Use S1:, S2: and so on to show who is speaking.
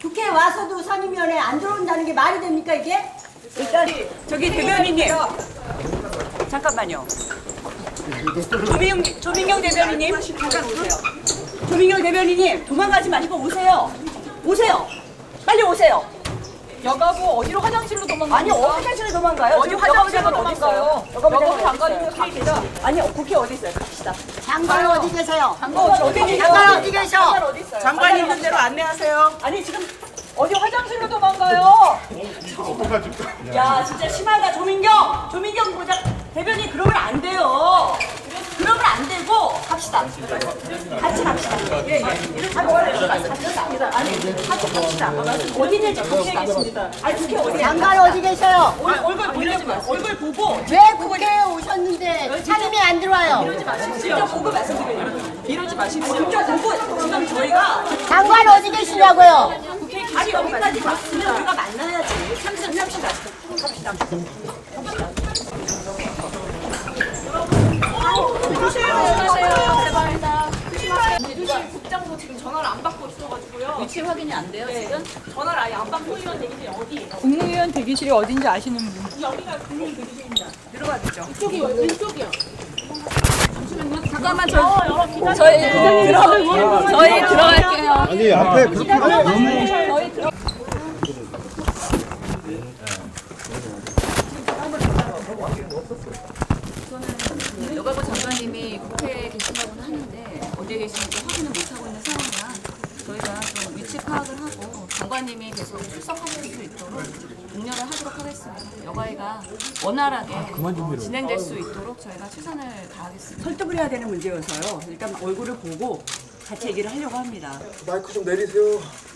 S1: 국회에 와서도 상임위원회에 안 들어온다는 게 말이 됩니까 이게?
S2: 일단 저기 대변인님 잠깐만요. 조민경 대변인님 잠깐 오세요. 조민경 대변인님 도망가지 마시고 오세요. 오세요. 빨리 오세요.
S3: 여가부 어디로 화장실로 도망가요?
S2: 아니 어디 화장실에 도망가요?
S3: 어디
S2: 지금
S3: 화장실로
S2: 여가부 장관 어디 있어요?
S3: 여가부 장관님
S2: 갑시다. 아니 국회 어디 있어요? 갑시다.
S1: 장관 어디 계세요?
S2: 어디 계세요?
S1: 장관 어디 계셔?
S2: 장관 어디 있어요?
S3: 장관 있는 대로 안내하세요.
S2: 아니 지금 어디 화장실로 도망가요?
S4: 어떡하지?
S2: 야 진짜 심하다 조민경 보자 대변인 그러면 안 돼요. 그러면 안 되고 갑시다. 같이 갑시다. 예. 아니 같이 갑시다. 어디 있는지 갑시다. 아니 국회 어디?
S1: 장관 어디 계셔요?
S2: 얼굴 보려고 얼굴 보고
S1: 왜 국회에 오셨는데 상임위 안 들어와요?
S2: 직접 보고 말씀드려요. 이러지 마시고 직접 보고 지금 저희가
S1: 장관 어디 계시냐고요?
S2: 아니 여기까지 왔으면 우리가 만나야지. 삼십시다. 갑시다.
S3: 국장도 지금 전화를 안 받고 있어가지고요.
S5: 위치 확인이 안 돼요, 지금?
S3: 전화를 아예 안 받고 의원 대기실이 어디예요?
S6: 국무위원 대기실이 어딘지 아시는 분?
S3: 여기가 국민 대기실입니다.
S2: 들어가죠.
S3: 이쪽이요, 왼쪽이요.
S5: 잠깐만, 저희 들어갈게요.
S4: 아니 앞에 그렇게 너무
S5: 여가부 장관님이 국회에 계신다고는 하는데 어디에 계시는지 확인을 못하고 있는 상황이라 저희가 좀 위치 파악을 하고 장관님이 계속 출석하실 수 있도록 독려를 하도록 하겠습니다. 여가위가 원활하게 진행될 수 있도록 저희가 최선을 다하겠습니다.
S2: 설득을 해야 되는 문제여서요. 일단 얼굴을 보고 같이 얘기를 하려고 합니다.
S4: 마이크 좀 내리세요.